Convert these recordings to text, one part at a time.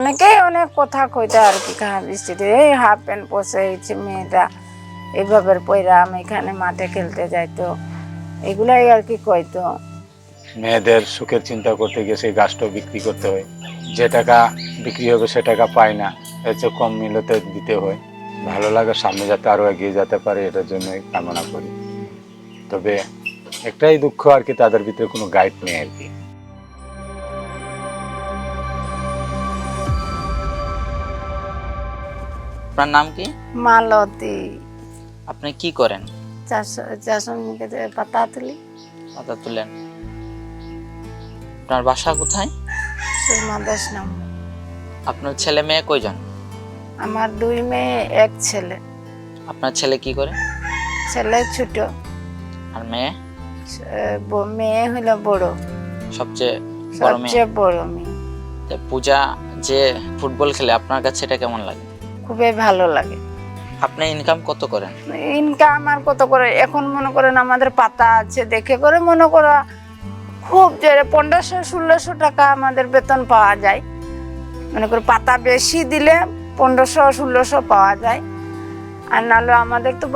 অনেকেই অনেক কথা কইতো আর কি, খারাপ দৃষ্টিতে এই হাফ প্যান্ট পরে মেয়েটা এইভাবে পয়রা আমি এখানে মাঠে খেলতে যাইতো, এগুলাই আর কি কইতো। মেয়েদের সুখের চিন্তা করতে গিয়ে সেই গাছটা বিক্রি করতে হয়, যে টাকা বিক্রি হবে সে টাকা পায় না, এর চেয়ে কম মূল্যতে দিতে হয়। ভালো লাগে, সামনে যাতে আরো এগিয়ে যেতে পারে এটার জন্যই কামনা করি। তবে একটাই দুঃখ আর কি, তাদের ভিতরে কোনো গাইড নেই আর কি। আপনার নাম কি? মালতী। আপনি কি করেন? চাষমিকে পাতা তুলি। পাতা তুলেন। আপনার বাসা কোথায়? সুরমা 10 নম্বর। আপনার ছেলে মেয়ে কয়জন? আমার 2 মেয়ে 1 ছেলে। আপনার ছেলে কি করে? ছেলে ছোট আর মেয়ে? মেয়ে হলো বড়, সবচেয়ে বড় মেয়ে। সবচেয়ে বড় মেয়ে। তো পূজা যে ফুটবল খেলে আপনার কাছে এটা কেমন লাগে? খুবই ভালো লাগে। আপনি ইনকাম কত করেন? ইনকাম আর কত করে, এখন মনে করেন আমাদের পাতা আছে দেখে করে মনে করো খুব জোরে 1500-1600 টাকা আমাদের বেতন পাওয়া যায়। মনে করে পাতা বেশি দিলে 1500-1600 পাওয়া যায়, আর নাহলে আমাদের তো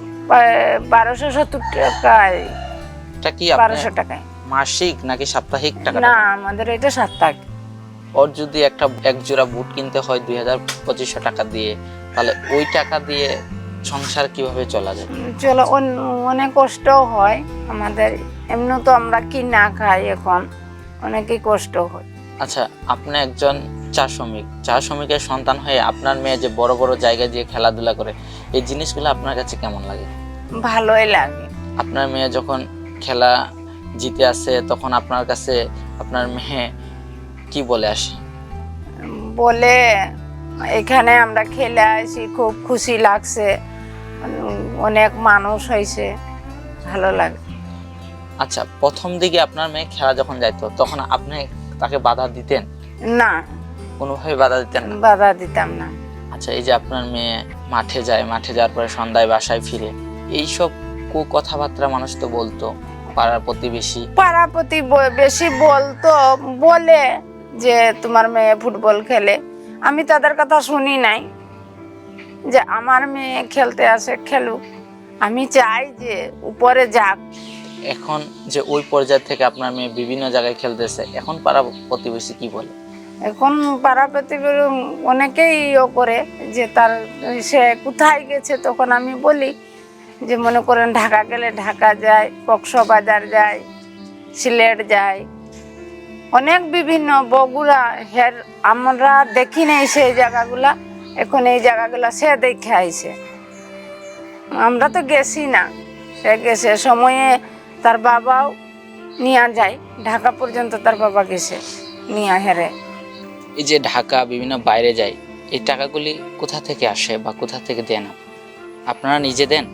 1270 টাকায়, এটা কি 1200 টাকায় মাসিক নাকি সাপ্তাহিক টাকা? না, আমাদের এটা সাপ্তাহিক। ওর যদি এক জোড়া বুট কিনতে হয় 2500 টাকা দিয়ে, তাহলে ওই টাকা দিয়ে সংসার কিভাবে চলা যায়? চলো, অনেক কষ্ট হয় আমাদের, এমনি তো আমরা কি না খাই, এখন অনেকই কষ্ট হয়। আচ্ছা, আপনি একজন চা শ্রমিকের সন্তান হয়ে আপনার মেয়ে যে বড় বড় জায়গায় দিয়ে খেলাধুলা করে, এই জিনিসগুলো আপনার কাছে কেমন লাগে? ভালোই লাগে। আপনার মেয়ে যখন খেলা জিতে আসে তখন আপনার কাছে আপনার মেয়ে কি বলে আসে? বলে এখানে আমরা খেলে আসি, খুব খুশি লাগছে, অনেক মানুষ হয়েছে, ভালো লাগে। আচ্ছা, প্রথম দিকে আপনার মেয়ে খেলা যখন যাইতো তখন আপনি তাকে বাধা দিতেন? না, কোনোভাবে বাধা দিতেন না? বাধা দিতাম না। আচ্ছা, এই যে আপনার মেয়ে মাঠে যায়, মাঠে যাওয়ার পরে সন্ধ্যায় বাসায় ফিরে, এইসব কথাবার্তা মানুষ তো বলতো, পাড়ার প্রতিবেশী বেশি বলতো, বলে যে তোমার মেয়ে ফুটবল খেলে। আমি তাদের কথা শুনি নাই, যে আমার মেয়ে খেলতে আসে, খেলুক, আমি চাই যে উপরে যাক। এখন যে ওই পর্যায় থেকে আপনার মেয়ে বিভিন্ন জায়গায় খেলতেছে, এখন পাড়া প্রতিবেশী কি বলে? এখন পাড়া প্রতিবেশী অনেকেই করে যে তার সে কোথায় গেছে, তখন আমি বলি যে মনে করেন ঢাকা গেলে ঢাকা যায়, কক্সবাজার যায়, সিলেট যায়, অনেক বিভিন্ন বগুড়া, আমরা দেখি নাই সেই জায়গাগুলা, এখন এই জায়গাগুলা সে দেখে আইছে। আমরা তো গেছি না, সে গেছে, সময়ে তার বাবাও নিয়ে যায়, ঢাকা পর্যন্ত তার বাবা গেছে নিয়ে হেরে। এই যে ঢাকা বিভিন্ন বাইরে যায়, এই টাকাগুলি কোথা থেকে আসে বা কোথা থেকে দেন? আপনারা নিজে দেন?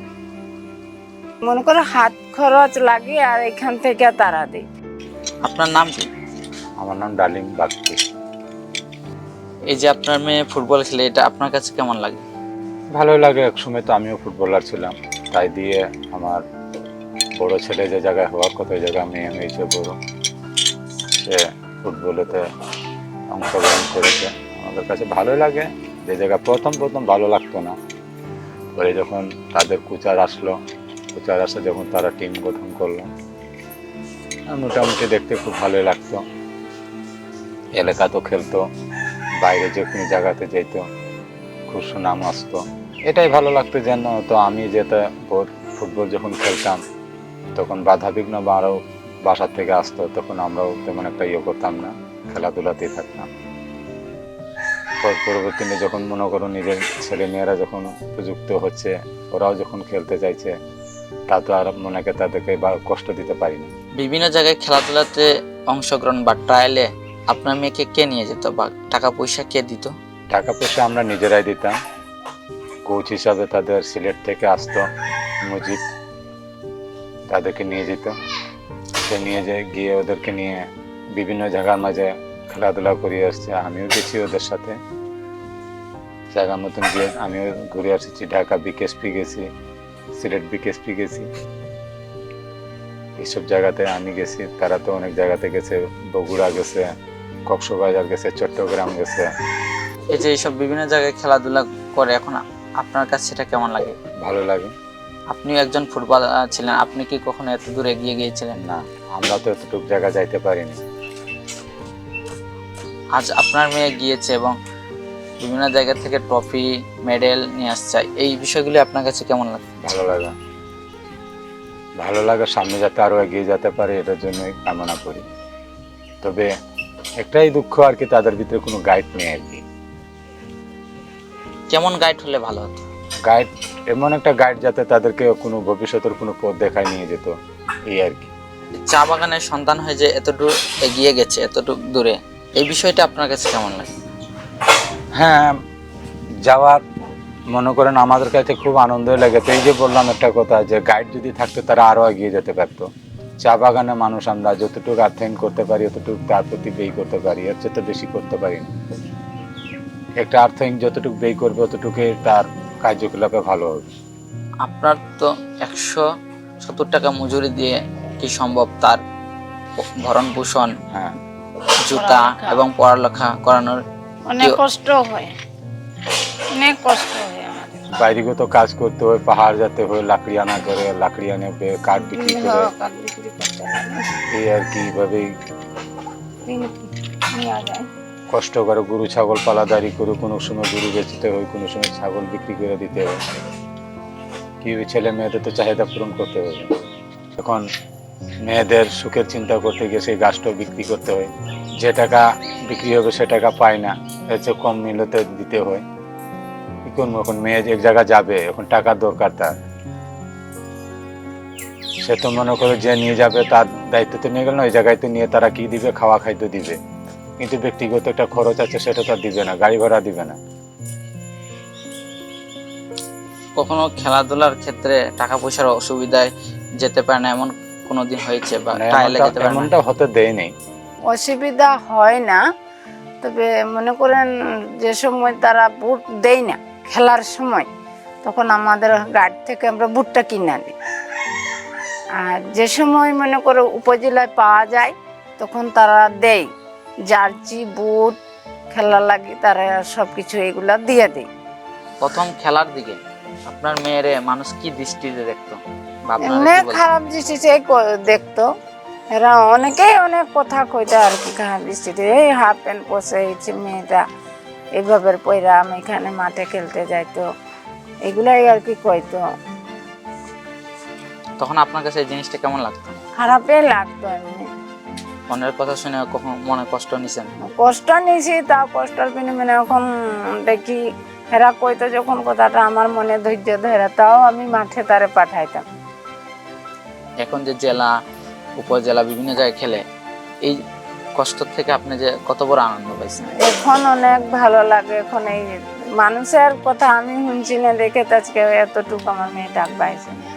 মনে করো হাত খরচ লাগে, আর এখান থেকে তারা দেয়। আপনার নাম কি? আমার নাম ডালিম বাগচি। এই যে আপনার মেয়ে ফুটবল খেলে, এটা আপনার কাছে কেমন লাগে? ভালোই লাগে। একসময় তো আমিও ফুটবলার ছিলাম, তাই দিয়ে আমার বড় ছেলে যে জায়গায় হওয়ার কথা ওই জায়গায় মেয়ে হয়েছে বড়, সে ফুটবলেতে অংশগ্রহণ করেছে। আমাদের কাছে ভালোই লাগে। যে জায়গায় প্রথম ভালো লাগতো না, পরে যখন তাদের কোচার আসে, যখন তারা টিম গঠন করলো, মোটামুটি দেখতে খুব ভালোই লাগতো। এলাকা তো খেলতো, বাইরে যে কোনো জায়গাতে যেত, খুব সুনাম আসতো, এটাই ভালো লাগতো। যেন তো আমি যেটা ফুটবল যখন খেলতাম তখন বাধা বিঘ্ন বা আরও বাসার থেকে আসতো, তখন আমরাও তেমন একটা করতাম না, খেলাধুলাতেই থাকতাম। পরবর্তীতে যখন মনে করো নিজের ছেলে মেয়েরা যখন উপযুক্ত হচ্ছে, ওরাও যখন খেলতে চাইছে, তা তো আর মনেকে তাদেরকে বা কষ্ট দিতে পারি না। বিভিন্ন জায়গায় খেলাধুলাতে অংশগ্রহণ বা ট্রায়ালে আপনার মেয়েকে কে নিয়ে যেত বা টাকা পয়সা কে দিত? টাকা পয়সা আমরা নিজেরাই দিতাম। কোচ হিসাবে তাদের সিলেট থেকে আসতো মুজিব, তাদেরকে নিয়ে যেত। সে নিয়ে গিয়ে ওদেরকে নিয়ে বিভিন্ন জায়গার মাঝে খেলাধুলা করিয়ে আসছে। আমিও গেছি ওদের সাথে, জায়গার মতন গিয়ে আমিও ঘুরে আসছি। ঢাকা বিকেএসপি গেছি, সিলেট বিকেএসপি গেছি, এইসব জায়গাতে আমি গেছি। তারা তো অনেক জায়গাতে গেছে, বগুড়া গেছে, কক্সবাজার গেছে, চট্টগ্রাম গেছে, এই যে এইসব বিভিন্ন জায়গায় খেলাধুলা করে, এখন আপনার কাছে সেটা কেমন লাগে? ভালো লাগে। আপনিও একজন ফুটবলার ছিলেন, আপনি কি কখনো এত দূর এগিয়ে গিয়েছিলেন? না, আমরা তো এতটুকু জায়গা যাইতে পারিনি। আজ আপনার মেয়ে গিয়েছে এবং বিভিন্ন জায়গা থেকে ট্রফি মেডেল নিয়ে আসছে, এই বিষয়গুলি আপনার কাছে কেমন লাগে? ভালো লাগে, ভালো লাগে। সামনে যাতে আরো এগিয়ে যেতে পারে এটার জন্যই কামনা করি। তবে একটাই দুঃখ আর কি, তাদের ভিতরে কোনো গাইড নেই আর কি। কেমন গাইড হলে ভালো হতো? গাইড, এমন একটা গাইড যাতে তাদেরকে কোনো ভবিষ্যতের কোনো পথ দেখায় নিয়ে যেত, এই আর কি। চা বাগানের সন্তান হয়ে যে এতটুকু এগিয়ে গেছে, এতটুকু দূরে, এই বিষয়টা আপনার কাছে কেমন লাগে? হ্যাঁ, যাওয়ার মনে করেন আমাদের কাছে খুব আনন্দ লাগে। তো এই যে বললাম একটা কথা, যে গাইড যদি থাকতো তারা আরো এগিয়ে যেতে পারতো। চা বাগানে মানুষ আমরা যতটুকু আর্থিং করতে পারি অতটুকু তার প্রতি ব্যয় করতে পারি, এর চেয়ে তো বেশি করতে পারি না। একটা আর্থিং যতটুকু ব্যয় করবে অতটুকুই তার কার্যকলাপে ভালো হবে। আপনার তো 170 টাকা মজুরি দিয়ে কি সম্ভব তার ভরণ পোষণ, হ্যাঁ, জুতা এবং পড়ালেখা করানোর? অনেক কষ্ট হয়, অনেক কষ্ট হয় আমাদের। বাইরেগত কাজ করতে হয়, পাহাড় যেতে হয়, লাকড়ি আনা করে, লাকড়ি আনে কাঠ বিক্রি করে, কাঠ বিক্রি করতে লাগে, এই আর কি। এইভাবেই নেওয়া যায়। কষ্ট করে গরু ছাগল পালাদারি করে, কোনো সময় গরু বেচতে হয়, কোনো সময় ছাগল বিক্রি করে দিতে হয়। কি ছেলে মেয়েদের তো চাহিদা পূরণ করতে হবে। এখন মেয়েদের সুখের চিন্তা করতে গিয়ে সেই গাছটাও বিক্রি করতে হয়। যে টাকা বিক্রি হবে সে টাকা পায় না, এর চেয়ে কম মূল্যতে দিতে হয়। কি করবো, এখন মেয়ে এক জায়গায় যাবে, এখন টাকার দরকার তার। সে তো মনে করে যে নিয়ে যাবে তার দায়িত্ব তো নিয়ে গেল না, ওই জায়গায় তো নিয়ে তারা কি দিবে, খাওয়া খাদ্য দিবে, কিন্তু ব্যক্তিগত একটা খরচ আছে সেটা তো আর দিবে না, গাড়ি ভাড়া দিবে না। কখনো খেলাধুলার ক্ষেত্রে টাকা পয়সার অসুবিধায় যেতে পারে না, এমন কোনো দিন হয়েছে বা মানে টাইলে যেতে পারে না? এমনটা হতে দেয় নেই। অসুবিধা হয় না, তবে মনে করেন যে সময় তারা বুট দেয় না খেলার সময়, তখন আমাদের গাড়ি থেকে আমরা বুটটা কিনে আনি। আর যে সময় মনে করো উপজেলায় পাওয়া যায় তখন তারা দেয় জার্সি বুট, খেলা লাগে তারা সব কিছু এগুলা দিয়ে দেয়। প্রথম খেলার দিকে আপনার মেয়েরে মানুষ কি দৃষ্টিতে দেখতো বা আপনারা এমনি কি বলতেন? খারাপ দৃষ্টিতে দেখতো, এরা অনেকেই অনেক কথা কইতো আর কি, খারাপ দৃষ্টিতে। এই হাফ প্যান্ট পরে হয়েছে মেয়েটা, এইভাবে পয়রা আমি এখানে মাঠে খেলতে যাইতো, এগুলাই আর কি কইতো। তখন আপনার কাছে এই জিনিসটা কেমন লাগতো? খারাপই লাগতো। এমনি মনের কথা শুনে কখন মনে কষ্ট নিছেন? কষ্ট নিয়েছি, তা কষ্টের বিনিময়ে এখন দেখি এরা কইতো যখন কথাটা আমার মনে ধৈর্য ধরে, তাও আমি মাঠে তারে পাঠাইতাম। এখন যে জেলা উপজেলা বিভিন্ন জায়গায় খেলে, এই কষ্ট থেকে আপনি যে কত বড় আনন্দ পাইছেন? এখন অনেক ভালো লাগে। এখন এই মানুষের কথা আমি শুনছি না দেখে তো আজকে এতটুকু আমার মেয়ে ডাক পাইছে।